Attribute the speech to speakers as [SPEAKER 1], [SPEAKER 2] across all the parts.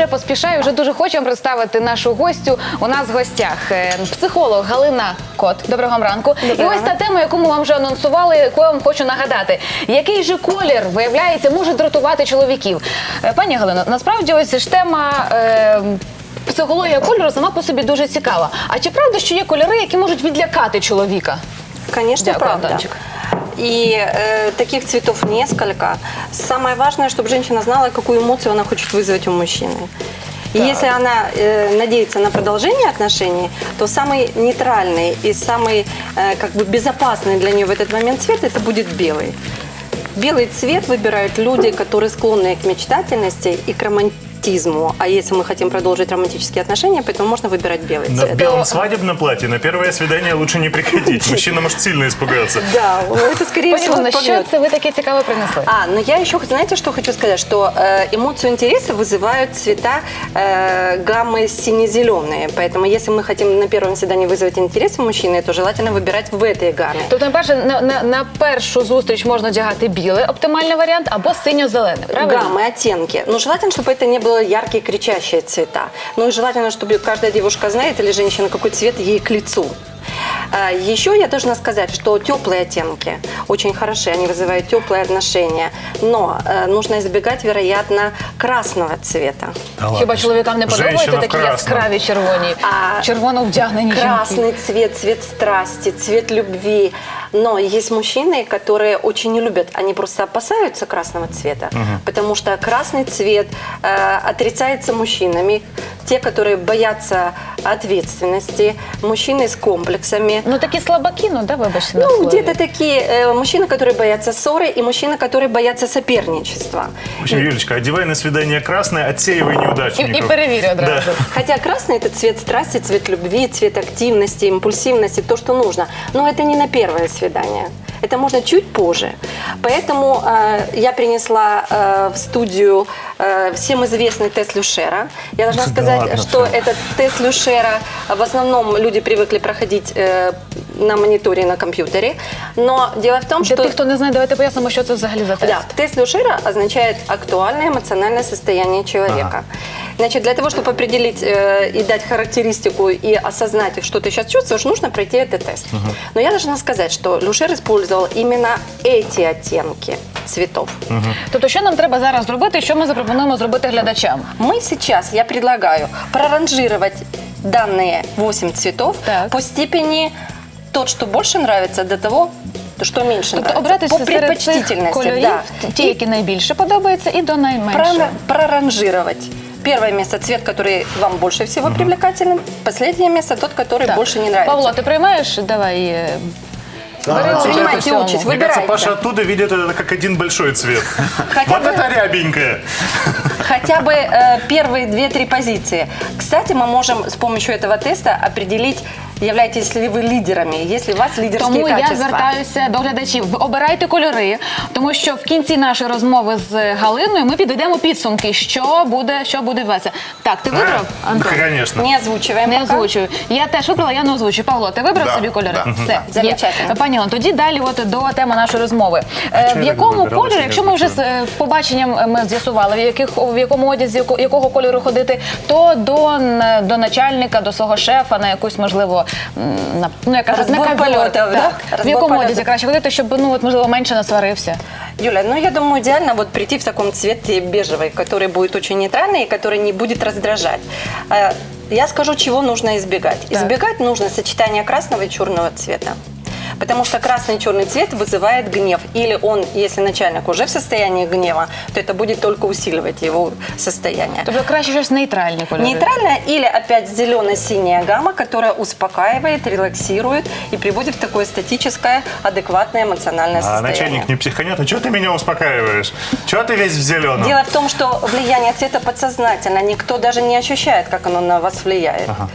[SPEAKER 1] вже поспішаю, вже дуже хочу вам представити нашу гостю. У нас в гостях психолог Галина Кот. Доброго вам ранку. І ось та тема, яку ми вам вже анонсували, яку я вам хочу нагадати. Який же колір, виявляється, може дратувати чоловіків? Пані Галино, насправді ось ж тема... Психологія кольору сама по собі дуже цікава. А чи правда, що є кольори, які можуть відлякати чоловіка?
[SPEAKER 2] Конечно,
[SPEAKER 1] Дякую,
[SPEAKER 2] правда.
[SPEAKER 1] Антончик.
[SPEAKER 2] И таких цветов несколько. Самое важное, чтобы женщина знала, какую эмоцию она хочет вызвать у мужчины. И если она надеется на продолжение отношений, то самый нейтральный и самый как бы безопасный для нее в этот момент цвет – это будет белый. Белый цвет выбирают люди, которые склонны к мечтательности и к романтизму. А если мы хотим продолжить романтические отношения, поэтому можно выбирать белый цвет.
[SPEAKER 3] На белом свадебном платье на первое свидание лучше не приходить. Мужчина может сильно испугаться.
[SPEAKER 2] Да, это скорее всего
[SPEAKER 1] Пані, що
[SPEAKER 2] побьет.
[SPEAKER 1] це ви таке цікаве принесли?
[SPEAKER 2] Но я еще, знаете, что хочу сказать, что эмоцию интереса вызывают цвета гаммы сине-зеленые. Поэтому если мы хотим на первом свидании вызвать интерес у мужчины, то желательно выбирать в этой гамме.
[SPEAKER 1] Тобто, на першу зустріч можна одягати білий, оптимальний варіант, або синьо-зелений, правильно?
[SPEAKER 2] Гаммы, оттенки. Но желательно, чтобы это не было яркие, кричащие цвета. Ну и желательно, чтобы каждая девушка знает или женщина, какой цвет ей к лицу. Еще я должна сказать, что теплые оттенки очень хороши, они вызывают теплые отношения, но нужно избегать, вероятно, красного цвета.
[SPEAKER 1] Хіба чоловікам не подобаються
[SPEAKER 3] Женщина в
[SPEAKER 1] такі
[SPEAKER 3] красному.
[SPEAKER 1] яскраві червоні, червоно вдягнені жінки?
[SPEAKER 2] Красный цвет, цвет страсти, цвет любви. Но есть мужчины, которые очень не любят, они просто опасаются красного цвета, потому что красный цвет отрицается мужчинами, те, которые боятся ответственности, мужчины с комплексами.
[SPEAKER 1] Ну такі слабаки, ну да, вибачте. на
[SPEAKER 2] Ну,
[SPEAKER 1] слові.
[SPEAKER 2] где-то такие мужчины, которые боятся ссоры, и мужчины, которые боятся соперничества.
[SPEAKER 3] В общем, Юлечка, одевай на свидание красное, отсеивай
[SPEAKER 1] І
[SPEAKER 3] неудачников.
[SPEAKER 1] перевірю одразу.
[SPEAKER 2] Хотя красный – это цвет страсти, цвет любви, цвет активности, импульсивности, то, что нужно. Но это не на первое свидание. Это можно чуть позже. Поэтому я принесла в студию всем известный тест Люшера. Я должна сказать,
[SPEAKER 3] ладно,
[SPEAKER 2] что этот тест Люшера в основном люди привыкли проходить на мониторе на компьютере. Но дело в том,
[SPEAKER 1] Для
[SPEAKER 2] что...
[SPEAKER 1] тих, хто не знає, давайте пояснимо, що це взагалі за тест.
[SPEAKER 2] Да, тест Люшера означает актуальное эмоциональное состояние человека. Значит, для того, чтобы определить и дать характеристику и осознать, что ты сейчас чувствуешь, нужно пройти этот тест. Но я должна сказать, что Люшер использовал именно эти оттенки цветов.
[SPEAKER 1] Тобто, що нам треба зараз зробити, що ми запропонуємо зробити глядачам?
[SPEAKER 2] Мы сейчас, я предлагаю, проранжировать данные 8 цветов
[SPEAKER 1] Так.
[SPEAKER 2] по степени тот, что больше нравится, до того, что меньше
[SPEAKER 1] Тобто
[SPEAKER 2] нравится.
[SPEAKER 1] обрати
[SPEAKER 2] По
[SPEAKER 1] серед цих
[SPEAKER 2] предпочтительности,
[SPEAKER 1] кольорів
[SPEAKER 2] да.
[SPEAKER 1] ті, які найбільше подобаються, і до найменшого.
[SPEAKER 2] Проранжировать. Первое место цвет, который вам больше всего привлекателен. Последнее место тот, который
[SPEAKER 1] Так.
[SPEAKER 2] больше не нравится.
[SPEAKER 1] Павло, ти приймаєш? Давай. Бери участь у
[SPEAKER 2] принимайте
[SPEAKER 1] всьому.
[SPEAKER 2] участь.
[SPEAKER 3] Мне кажется,
[SPEAKER 2] Выбирайте.
[SPEAKER 3] Паша оттуда видит это как один большой цвет.
[SPEAKER 2] Хотя
[SPEAKER 3] Вот
[SPEAKER 2] бы-
[SPEAKER 3] это рябенькое.
[SPEAKER 2] Хотя бы первые 2-3 позиции. Кстати, мы можем с помощью этого теста определить, являетесь ли вы лидерами, есть ли у вас лидерские
[SPEAKER 1] Тому я
[SPEAKER 2] качества.
[SPEAKER 1] звертаюся до глядачів. Ви обирайте кольори, тому що в кінці нашої розмови з Галиною ми підведемо підсумки, що буде весело. Так, ти вибрав, Антон?
[SPEAKER 3] Конечно.
[SPEAKER 2] Не озвучиваем
[SPEAKER 1] Не
[SPEAKER 2] пока.
[SPEAKER 1] озвучую. Я теж вибрала, я не озвучую. Павло, ти вибрав
[SPEAKER 3] Да,
[SPEAKER 1] собі кольори?
[SPEAKER 3] да.
[SPEAKER 1] Все,
[SPEAKER 2] Замечательно.
[SPEAKER 1] є. Пані Олено, тоді далі от до теми нашої розмови.
[SPEAKER 3] чого
[SPEAKER 1] В
[SPEAKER 3] я
[SPEAKER 1] якому
[SPEAKER 3] вибирала,
[SPEAKER 1] кольорі,
[SPEAKER 3] що
[SPEAKER 1] якщо
[SPEAKER 3] я
[SPEAKER 1] ми вже з
[SPEAKER 3] озвучую?
[SPEAKER 1] побаченням ми з'ясували, в якому одязі, якого кольору ходити, то до начальника, до свого шефа, на якусь, можливо, як кажуть, на
[SPEAKER 2] Розбор
[SPEAKER 1] ковер.
[SPEAKER 2] польотів, да?
[SPEAKER 1] Так. В
[SPEAKER 2] Розбор
[SPEAKER 1] якому
[SPEAKER 2] польотів.
[SPEAKER 1] одязі краще ходити, щоб, можливо, менше насварився?
[SPEAKER 2] Юля, ну я думаю, идеально вот прийти в таком цвете бежевый, который будет очень нейтральный и который не будет раздражать. Я скажу, чего нужно избегать.
[SPEAKER 1] Так.
[SPEAKER 2] Избегать нужно сочетания красного и черного цвета. Потому что красный и черный цвет вызывает гнев. Или он, если начальник уже в состоянии гнева, то это будет только усиливать его состояние.
[SPEAKER 1] Тобто краще щось нейтральні кольори.
[SPEAKER 2] Нейтральная или опять зелено-синяя гамма, которая успокаивает, релаксирует и приводит в такое статическое, адекватное эмоциональное
[SPEAKER 3] А
[SPEAKER 2] состояние.
[SPEAKER 3] начальник не психанет, а что ты меня успокаиваешь? Чего ты весь в зеленом?
[SPEAKER 2] Дело в том, что влияние цвета подсознательно. Никто даже не ощущает, как оно на вас влияет.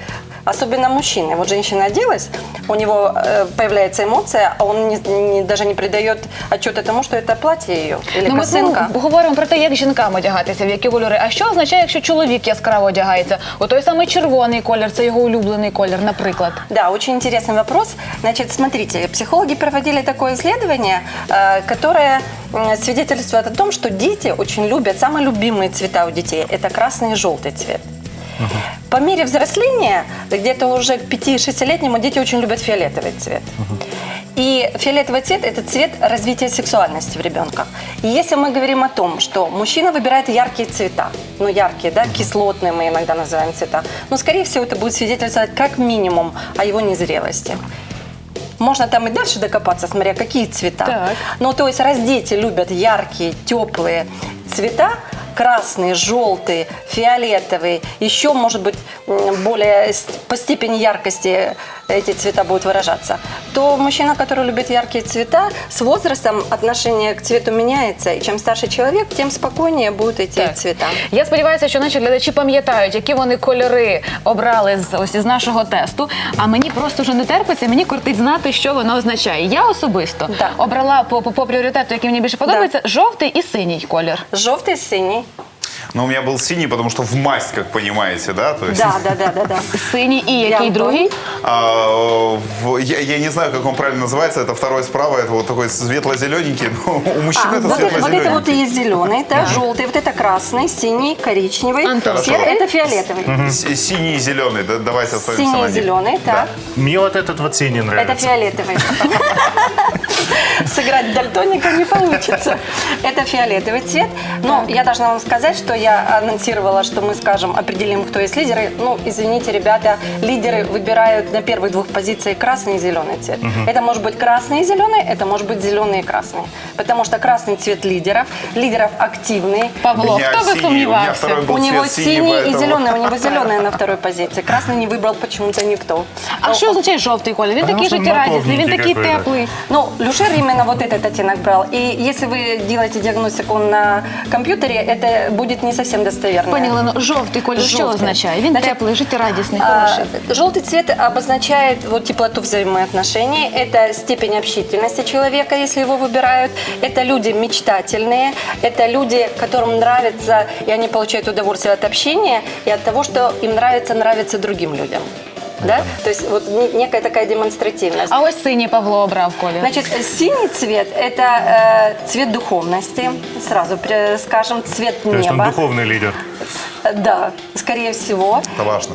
[SPEAKER 2] особенно мужчины. Вот женщина оделась, у него появляется эмоция, а он даже не придает отчета тому, что это платье ее или
[SPEAKER 1] Ну, ми
[SPEAKER 2] косынка.
[SPEAKER 1] говоримо про те, як жінкам одягатися, в які кольори. А що означає, якщо чоловік яскраво одягається? У той самий червоний колір, це його улюблений колір, наприклад.
[SPEAKER 2] Да, очень интересный вопрос. Значит, смотрите, психологи проводили такое исследование, которое свидетельствует о том, что дети очень любят, самые любимые цвета у детей – это красный и желтый цвет. По мере взросления, где-то уже к 5-6-летнему, дети очень любят фиолетовый цвет. И фиолетовый цвет – это цвет развития сексуальности в ребенка. И если мы говорим о том, что мужчина выбирает яркие цвета, ну яркие, да, кислотные мы иногда называем цвета, но скорее всего это будет свидетельствовать как минимум о его незрелости. Можно там и дальше докопаться, смотря какие цвета.
[SPEAKER 1] Так.
[SPEAKER 2] Ну, то есть раз дети любят яркие, теплые цвета, красный, желтый, фиолетовый, еще, может быть, более по степени яркости эти цвета будут выражаться, то мужчина, который любит яркие цвета, с возрастом отношение к цвету меняется, и чем старше человек, тем спокойнее будут эти
[SPEAKER 1] Так.
[SPEAKER 2] цвета.
[SPEAKER 1] Я сподіваюся, що наші глядачі пам'ятають, які вони кольори обрали із нашого тесту. А мені просто вже не терпиться, мені кортить знати, що воно означає. Я особисто
[SPEAKER 2] Да.
[SPEAKER 1] обрала по пріоритету, який мені більше подобається, жовтий і синій колір.
[SPEAKER 2] Желтый, синий.
[SPEAKER 4] Но у меня был синий, потому что в масть, как понимаете, да? То есть,
[SPEAKER 2] Да.
[SPEAKER 1] Синій і який
[SPEAKER 2] Я
[SPEAKER 1] другий?
[SPEAKER 4] Я не знаю, как он правильно называется, это второй справа, это вот такой светло-зелененький, но у мужчин это
[SPEAKER 2] вот это вот
[SPEAKER 4] светло-зелененький.
[SPEAKER 2] и есть зеленый, да, желтый, вот это красный, синий, коричневый,
[SPEAKER 1] Антон,
[SPEAKER 2] серый, это фиолетовый.
[SPEAKER 4] Синий и зеленый, давайте остановимся
[SPEAKER 2] Синий
[SPEAKER 4] на
[SPEAKER 2] и
[SPEAKER 4] них.
[SPEAKER 2] зеленый, так.
[SPEAKER 3] Мне вот этот вот синий
[SPEAKER 2] Это
[SPEAKER 3] нравится.
[SPEAKER 2] фиолетовый. Сыграть дальтоника не получится. Это фиолетовый цвет. Но я должна вам сказать, что я анонсировала, что мы скажем, определим, кто есть лидеры. Ну, извините, ребята, лидеры выбирают на первых двух позициях красный и зеленый цвет. Это может быть красный и зеленый, это может быть зеленый и красный. Потому что красный цвет лидеров активный.
[SPEAKER 1] Павло,
[SPEAKER 4] Я
[SPEAKER 1] хто би
[SPEAKER 4] синий, у меня
[SPEAKER 1] сумнівався?
[SPEAKER 4] второй был
[SPEAKER 2] У него
[SPEAKER 4] цвет
[SPEAKER 2] синий и
[SPEAKER 4] поэтому-
[SPEAKER 2] зеленый, у него зеленый на второй позиции. Красный не выбрал почему-то никто.
[SPEAKER 1] А що означає жовтий колір? Він
[SPEAKER 3] Потому
[SPEAKER 1] такий
[SPEAKER 3] що
[SPEAKER 1] життєрадісний, він
[SPEAKER 3] напомніть,
[SPEAKER 1] такий
[SPEAKER 3] який, да.
[SPEAKER 1] теплий.
[SPEAKER 2] Ну, Люшер именно вот этот оттенок брал. И если вы делаете диагностику на компьютере, это будет не совсем достоверно.
[SPEAKER 1] Пані Олено, жовтий колір що
[SPEAKER 2] Жовтий.
[SPEAKER 1] означає? Він
[SPEAKER 2] Значить,
[SPEAKER 1] теплий, життєрадісний, хороший.
[SPEAKER 2] Желтый цвет обозначает вот теплоту взаимоотношений. Это степень общительности человека, если его выбирают. Это люди мечтательные. Это люди, которым нравится, и они получают удовольствие от общения и от того, что им нравится другим людям. Да? То есть вот некая такая демонстративность.
[SPEAKER 1] А ось синій Павло обрав колір.
[SPEAKER 2] Значит, синий цвет – это цвет духовности, сразу скажем, цвет
[SPEAKER 3] То есть он
[SPEAKER 2] неба.
[SPEAKER 3] духовный лидер.
[SPEAKER 2] Да, скорее всего.
[SPEAKER 4] Это важно.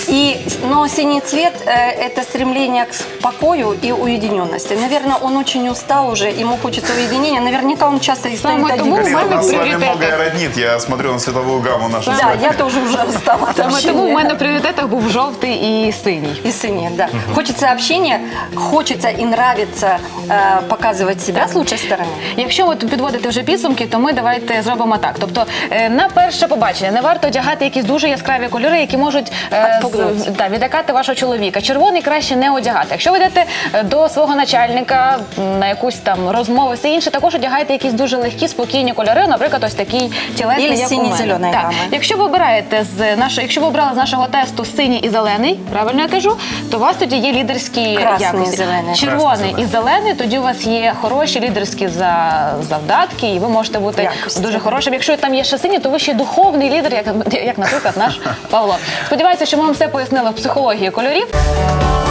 [SPEAKER 2] Но синий цвет это стремление к покою и уединенности. Наверное, он очень устал уже, ему хочется уединения. Наверняка он часто и стоит
[SPEAKER 1] Самое
[SPEAKER 2] один.
[SPEAKER 1] тому
[SPEAKER 4] Галина,
[SPEAKER 1] мене
[SPEAKER 4] нас с вами
[SPEAKER 1] приоритеты.
[SPEAKER 4] многое роднит. Я смотрю на цветовую гамму нашу.
[SPEAKER 2] Да, я тоже уже устала от
[SPEAKER 1] Саме тому в
[SPEAKER 2] общения.
[SPEAKER 1] мене в пріоритетах був жовтий і синій.
[SPEAKER 2] И синий, да. Хочется общения, хочется и нравится показывать себя с лучшей стороны.
[SPEAKER 1] Якщо от підводити вже підсумки, то ми давайте зробимо так. Тобто на перше побачення не варто одягати якісь дуже яскраві кольори, які можуть
[SPEAKER 2] Відпугнути.
[SPEAKER 1] відлякати вашого чоловіка. Червоний краще не одягати. Якщо ви йдете до свого начальника на якусь там розмову, все інше, також одягайте якісь дуже легкі, спокійні кольори, наприклад, ось такий тілесний,
[SPEAKER 2] Ілі
[SPEAKER 1] як у мене.
[SPEAKER 2] синій-зеленої
[SPEAKER 1] Так.
[SPEAKER 2] гами.
[SPEAKER 1] Якщо ви обираєте якщо ви обрали з нашого тесту синій і зелений, правильно я кажу, то у вас тоді є лідерські
[SPEAKER 2] Красний і
[SPEAKER 1] якості.
[SPEAKER 2] зелений.
[SPEAKER 1] Червоний
[SPEAKER 3] Красний,
[SPEAKER 1] і зелений, тоді у вас є хороші лідерські завдатки, і ви можете бути
[SPEAKER 2] Якості.
[SPEAKER 1] дуже хорошим. Якщо там є ще синій, то ви ще духовний лідер, як наприклад, наш Павло. Сподіваюся, що ми вам все пояснили в психології кольорів.